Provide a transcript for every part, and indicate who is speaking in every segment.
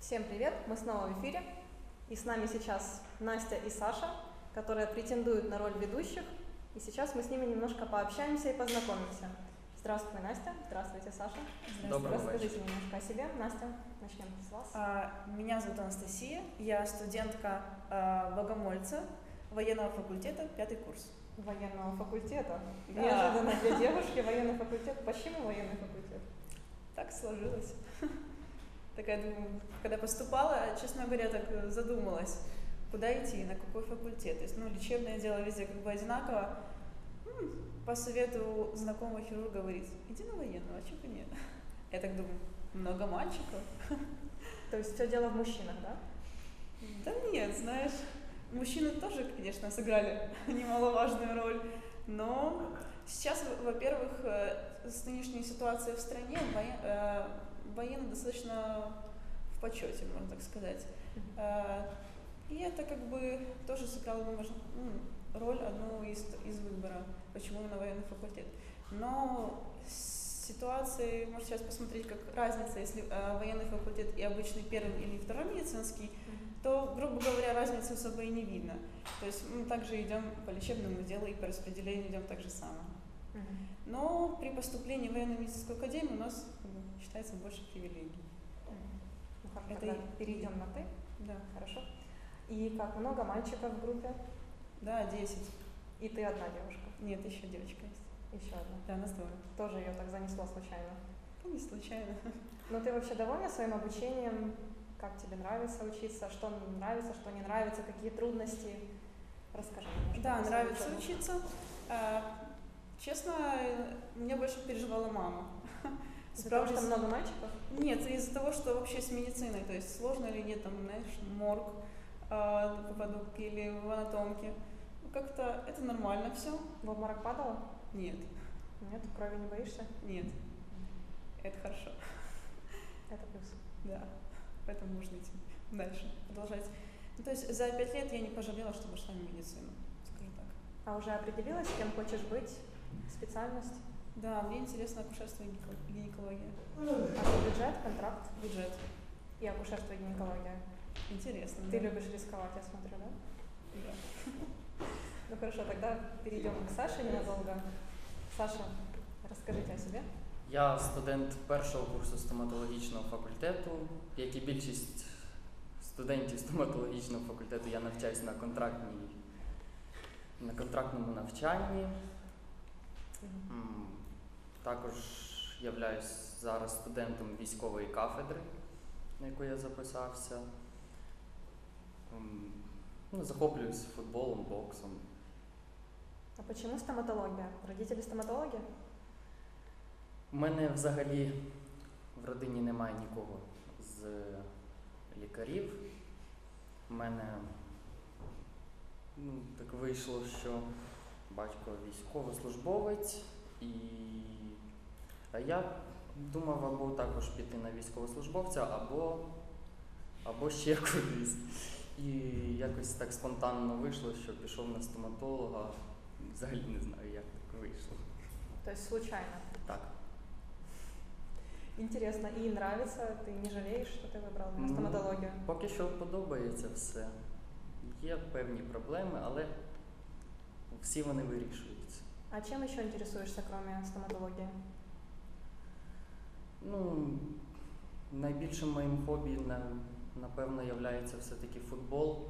Speaker 1: Всем привет! Мы снова в эфире. И с нами сейчас Настя и Саша, которые претендуют на роль ведущих. И сейчас мы с ними немножко пообщаемся и познакомимся. Здравствуй, Настя. Здравствуйте, Саша.
Speaker 2: Доброго
Speaker 1: Расскажите
Speaker 2: вечера.
Speaker 1: немножко о себе. Настя, начнем с вас.
Speaker 3: Меня зовут Анастасия, я студентка Богомольца, военного факультета, 5-й курс.
Speaker 1: Военного факультета.
Speaker 3: Да.
Speaker 1: Неожиданно для девушки военный факультет. Почему военный факультет?
Speaker 3: Так сложилось. Такая, думаю, когда поступала, честно говоря, так задумалась, куда идти, на какой факультет. То есть, лечебное дело везде как бы одинаково. По совету знакомого хирурга говорит, иди на военного, а чего бы нет? Я так думаю, много мальчиков.
Speaker 1: То есть все дело в мужчинах, да?
Speaker 3: Да нет, знаешь, мужчины тоже, конечно, сыграли немаловажную роль, но сейчас, во-первых, с нынешней ситуацией в стране военные достаточно в почете, можно так сказать. И это как бы тоже сыграло роль одну из выбора, почему именно военный факультет. Но ситуации, можно сейчас посмотреть, как разница, если военный факультет и обычный первый или второй медицинский, то, грубо говоря, разницы особо и не видно. То есть мы также идем по лечебному делу и по распределению идем так же само. Но при поступлении в военную медицинскую академию у нас считается больше привилегий.
Speaker 1: Ну хорошо,
Speaker 3: Это
Speaker 1: тогда перейдем на «ты».
Speaker 3: Да.
Speaker 1: Хорошо. И как много мальчиков в группе?
Speaker 3: Да, 10.
Speaker 1: И ты одна девушка?
Speaker 3: Нет, еще девочка есть.
Speaker 1: Еще одна.
Speaker 3: Да, нас двое.
Speaker 1: Тоже ее так занесло случайно.
Speaker 3: Ну, не случайно.
Speaker 1: Но ты вообще довольна своим обучением? Как тебе нравится учиться? Что нравится, что не нравится? Какие трудности? Расскажи немножко.
Speaker 3: Да, нравится учиться. Честно, меня больше переживала мама.
Speaker 1: Из-за того, что много мальчиков?
Speaker 3: Нет, из-за того, что вообще с медициной, то есть сложно или нет, там, знаешь, морг попаду или в анатомке. Как-то это нормально все.
Speaker 1: В обморок падала?
Speaker 3: Нет.
Speaker 1: Нет? Крови не боишься?
Speaker 3: Нет. Это хорошо.
Speaker 1: Это плюс.
Speaker 3: Да. Поэтому можно идти дальше, продолжать. То есть за 5 лет я не пожалела, что пошла в медицину, скажу так.
Speaker 1: А уже определилась, кем хочешь быть? Специальность?
Speaker 3: Да, мне интересно акушерство и гинекология.
Speaker 1: А бюджет, контракт?
Speaker 3: Бюджет.
Speaker 1: И акушерство и гинекология.
Speaker 3: Интересно.
Speaker 1: Ты
Speaker 3: да.
Speaker 1: любишь рисковать, я смотрю, да?
Speaker 3: Да.
Speaker 1: Ну хорошо, тогда перейдем к Саше ненадолго. Саша, расскажите о себе.
Speaker 2: Я студент першого курсу стоматологічного факультету. Як і більшість студентів стоматологічного факультету, я навчаюсь на контрактному навчанні. Також являюсь зараз студентом військової кафедри, на яку я записався. Захоплююсь футболом, боксом.
Speaker 1: А почему стоматология? Родители стоматологи?
Speaker 2: У мене взагалі в родині немає нікого з лікарів. У мене так вийшло, що батько військовослужбовець, а я думав або також піти на військовослужбовця, або ще кудись. І якось так спонтанно вийшло, що пішов на стоматолога. Взагалі не знаю, як так вийшло.
Speaker 1: То есть случайно?
Speaker 2: Так.
Speaker 1: Интересно. И нравится? Ты не жалеешь, что ты выбрал стоматологию?
Speaker 2: Поки що подобається все. Є певні проблеми, але всі вони вирішуються.
Speaker 1: А чем еще интересуешься, кроме стоматологии?
Speaker 2: Найбільшим моїм хобі, напевно, є все-таки футбол.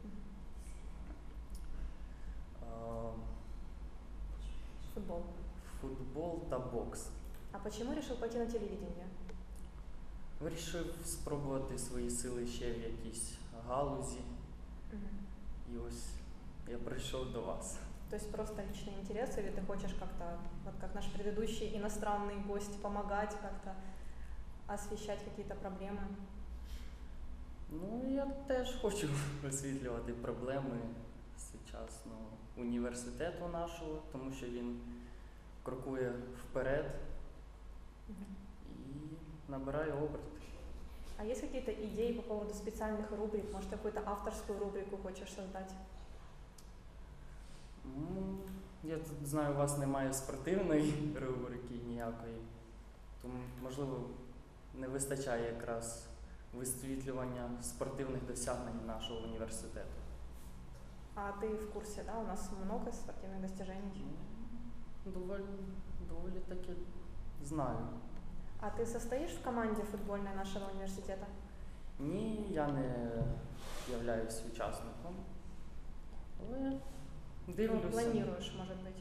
Speaker 1: Футбол.
Speaker 2: Футбол та бокс.
Speaker 1: А почему решил пойти на телевидение?
Speaker 2: Вирішив спробувати свої сили ще в якійсь галузі. І ось я прийшов до вас.
Speaker 1: То есть просто личный интерес, или ты хочешь как-то, вот как наш предыдущий иностранный гость, помогать как-то, освещать какие-то проблемы?
Speaker 2: Я теж хочу освітлювати проблеми сучасного університету нашого, тому що він крокує вперед і набирає оберти.
Speaker 1: А есть какие-то идеи по поводу специальных рубрик? Может, какую-то авторскую рубрику хочешь создать?
Speaker 2: Я тут знаю, у вас немає спортивної рубрики ніякої, тому, можливо, не вистачає якраз висвітлювання спортивних досягнень нашого університету.
Speaker 1: А ты в курсе, да? У нас много спортивных достижений.
Speaker 2: Доволі таки знаю.
Speaker 1: А ты состоишь в команде футбольной нашего университета?
Speaker 2: Ні, я не являюсь учасником, але
Speaker 1: Ну,
Speaker 2: дивлюся.
Speaker 1: планируешь, может быть.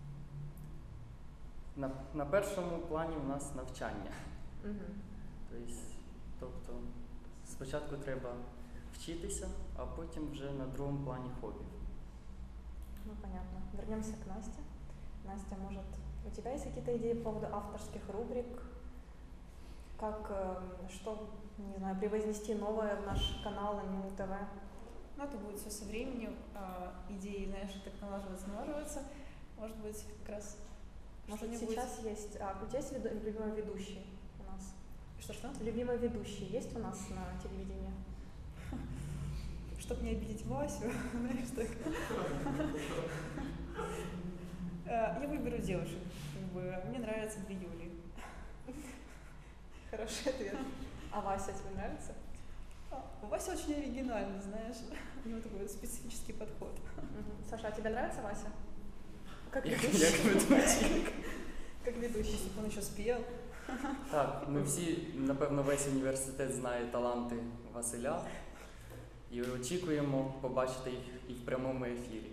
Speaker 2: На першому плані у нас навчання.
Speaker 1: Мгм.
Speaker 2: Тобто спочатку треба вчитися, а потім вже на другому плані хобі.
Speaker 1: Ну, понятно. Вернемся к Насте. Настя, может, у тебя есть какие-то идеи по поводу авторских рубрик? Как, что, не знаю, превознести новое в наш канал НМУ ТВ?
Speaker 3: Но это будет все со временем, идеи, знаешь, так налаживаться. Может быть, как раз
Speaker 1: Может,
Speaker 3: что-нибудь.
Speaker 1: сейчас есть... у тебя есть любимый ведущий у нас?
Speaker 3: Что-что?
Speaker 1: Любимый ведущий есть у нас на телевидении?
Speaker 3: Чтобы не обидеть Васю, знаешь, так. Я выберу девушек. Как бы, мне нравятся 2 Юли.
Speaker 1: Хороший ответ. А Вася тебе нравится?
Speaker 3: Вася очень оригинальный, знаешь. У него такой специфический подход.
Speaker 1: Саша, а тебе нравится Вася? Как
Speaker 2: Як
Speaker 1: ведущий?
Speaker 2: ведучий.
Speaker 1: Как ведущий.
Speaker 3: Если бы он еще спел.
Speaker 2: Так, ми всі, напевно, весь університет знає таланти Василя і очікуємо побачити їх і в прямому ефірі.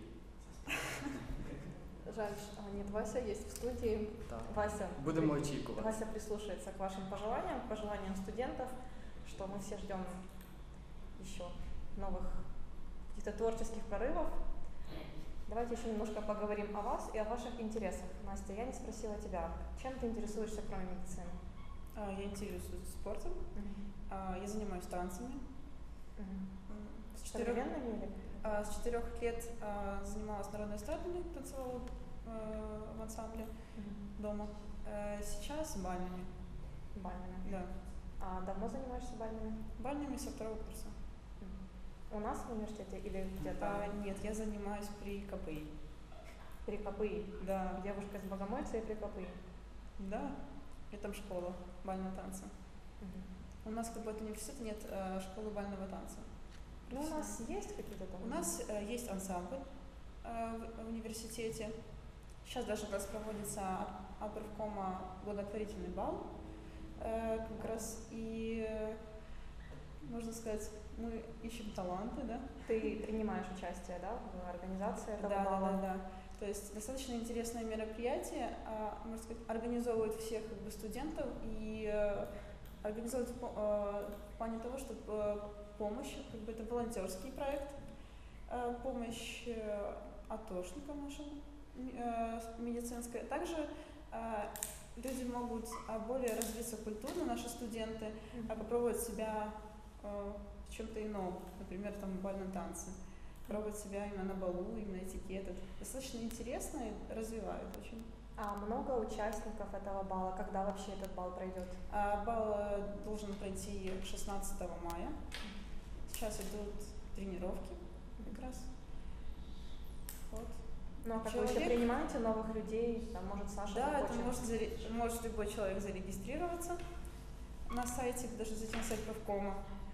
Speaker 1: Жаль, что нет, Вася есть в студии.
Speaker 2: Так.
Speaker 1: Вася,
Speaker 2: Будемо очікувати.
Speaker 1: Вася прислушается к вашим пожеланиям студентов, что мы все ждем еще новых каких-то творческих прорывов. Давайте еще немножко поговорим о вас и о ваших интересах. Настя, я не спросила тебя, чем ты интересуешься, кроме медицины?
Speaker 3: Я интересуюсь спортом. Я занимаюсь танцами. С 4
Speaker 1: Современными или?
Speaker 3: С 4 лет занималась народной эстрадой, танцевала в ансамбле дома. Сейчас бальными.
Speaker 1: Бальными.
Speaker 3: Да.
Speaker 1: А давно занимаешься бальными?
Speaker 3: Бальными со 2 курса.
Speaker 1: У нас в университете или где-то?
Speaker 3: Нет, я занимаюсь при КПИ.
Speaker 1: При КПИ.
Speaker 3: Да.
Speaker 1: Девушка из Богомольца и при КПИ.
Speaker 3: Да. И там школа бального танца. У нас как бы от университета нет школы бального танца.
Speaker 1: Ну, у нас есть какие-то там?
Speaker 3: У нас есть ансамбль в университете. Сейчас даже как раз проводится от правкома благотворительный бал. Как раз и, можно сказать, мы ищем таланты, да?
Speaker 1: Ты принимаешь участие, да, в организации этого
Speaker 3: Да,
Speaker 1: бала?
Speaker 3: да. То есть достаточно интересное мероприятие, можно сказать, организовывает всех как бы, студентов и организовывает в плане того, чтобы помощь, как бы это волонтерский проект, помощь атошникам нашим медицинской. Также люди могут более развиться культурно, наши студенты, попробовать себя в чем-то ином, например, там в бальном танце, пробовать себя именно на балу, именно этикет. Это достаточно интересно и развивает очень.
Speaker 1: А много участников этого бала? Когда вообще этот бал пройдет?
Speaker 3: Бал должен пройти 16 мая. Сейчас идут тренировки как раз. Вот.
Speaker 1: Ну, а как вы еще принимаете новых людей? Там, может, Саша
Speaker 3: Да, это
Speaker 1: захочет?
Speaker 3: может любой человек зарегистрироваться на сайте, даже зайти на сайт правкома.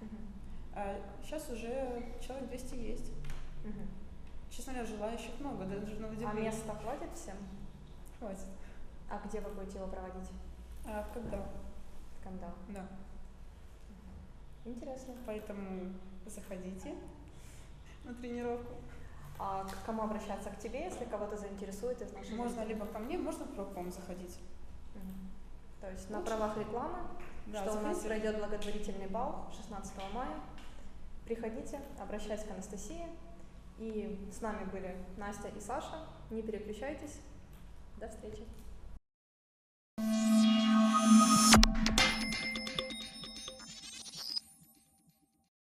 Speaker 3: Сейчас уже человек 200 есть. Честно говоря, желающих много, даже на удивление.
Speaker 1: А места хватит всем?
Speaker 3: Хватит.
Speaker 1: А где вы будете его проводить?
Speaker 3: Когда?
Speaker 1: Когда?
Speaker 3: Да.
Speaker 1: Интересно.
Speaker 3: Поэтому заходите на тренировку.
Speaker 1: А к кому обращаться? К тебе, если кого-то заинтересует из наших
Speaker 3: Можно
Speaker 1: зрителей?
Speaker 3: либо ко мне, можно в правком заходить.
Speaker 1: То есть на правах рекламы,
Speaker 3: Да,
Speaker 1: что у нас
Speaker 3: заходите.
Speaker 1: пройдет благотворительный бал 16 мая. Приходите, обращайтесь к Анастасии. И с нами были Настя и Саша. Не переключайтесь. До встречи.